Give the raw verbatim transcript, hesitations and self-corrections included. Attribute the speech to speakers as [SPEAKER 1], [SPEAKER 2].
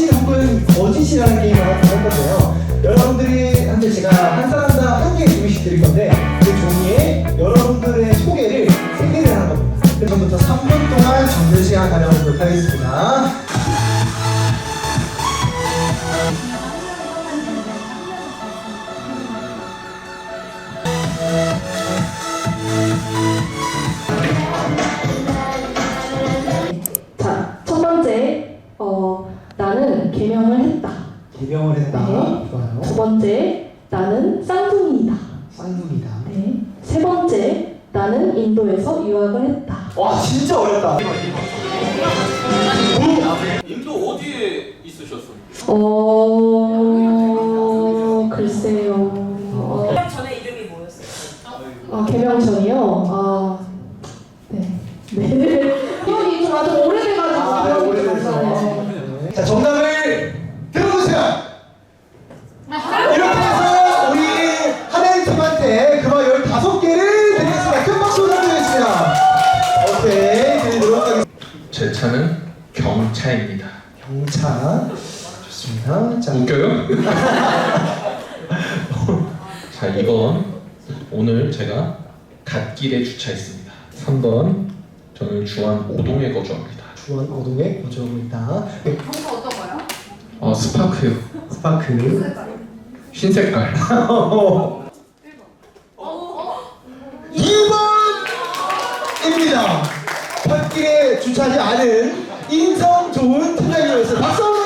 [SPEAKER 1] 사실 혹은 거짓이라는 게임을 할 건데요. 여러분들이 한테 제가 한 사람당 한 개의 종이씩 드릴 건데 그 종이에 여러분들의 소개를 세 개를 하는 겁니다. 지금부터 삼 분 동안 정들 시간 가져보도록 하겠습니다.
[SPEAKER 2] 자, 첫 번째, 어, 나는 개명을 했다.
[SPEAKER 1] 개명을 했다.
[SPEAKER 2] 네.
[SPEAKER 1] 좋아요.
[SPEAKER 2] 두 번째, 나는 쌍둥이이다.
[SPEAKER 1] 쌍둥이다.
[SPEAKER 2] 네. 세 번째, 나는 인도에서 유학을 했다.
[SPEAKER 1] 와 진짜 어렵다.
[SPEAKER 3] 인도 어디에 있으셨어요?
[SPEAKER 2] 어, 글쎄요. 어,
[SPEAKER 4] 개명 전에 이름이 뭐였어요?
[SPEAKER 2] 아, 개명 전이요? 아, 네. 네. 기억이 좀 아주 오래돼가지고.
[SPEAKER 1] 아,
[SPEAKER 2] 기억이 좀
[SPEAKER 1] 오래돼서.
[SPEAKER 2] 안 나네요.
[SPEAKER 1] 네. 자, 정답을 들어보세요. 이렇게 해서 우리 하나인 팀한테 그만 열다섯 개를 드리겠습니다. 큰 박수 부탁드리겠습니다. 오케이, 드리도록 하겠습니다.
[SPEAKER 5] 제 차는 경차입니다.
[SPEAKER 1] 경차. 좋습니다. 자,
[SPEAKER 5] 웃겨요? 자, 이건 오늘 제가 갓길에 주차했습니다. 삼 번 저는 주안 오동에 거주합니다.
[SPEAKER 1] 주원 오동에 거주하고 있다. 네,
[SPEAKER 4] 평소 어떤 거요?
[SPEAKER 5] 어, 스파크요.
[SPEAKER 1] 스파크.
[SPEAKER 5] 흰 색깔.
[SPEAKER 1] 이 번입니다. 갓길에 주차하지 않은 인성 좋은 팀장님이었어요. 박수 한번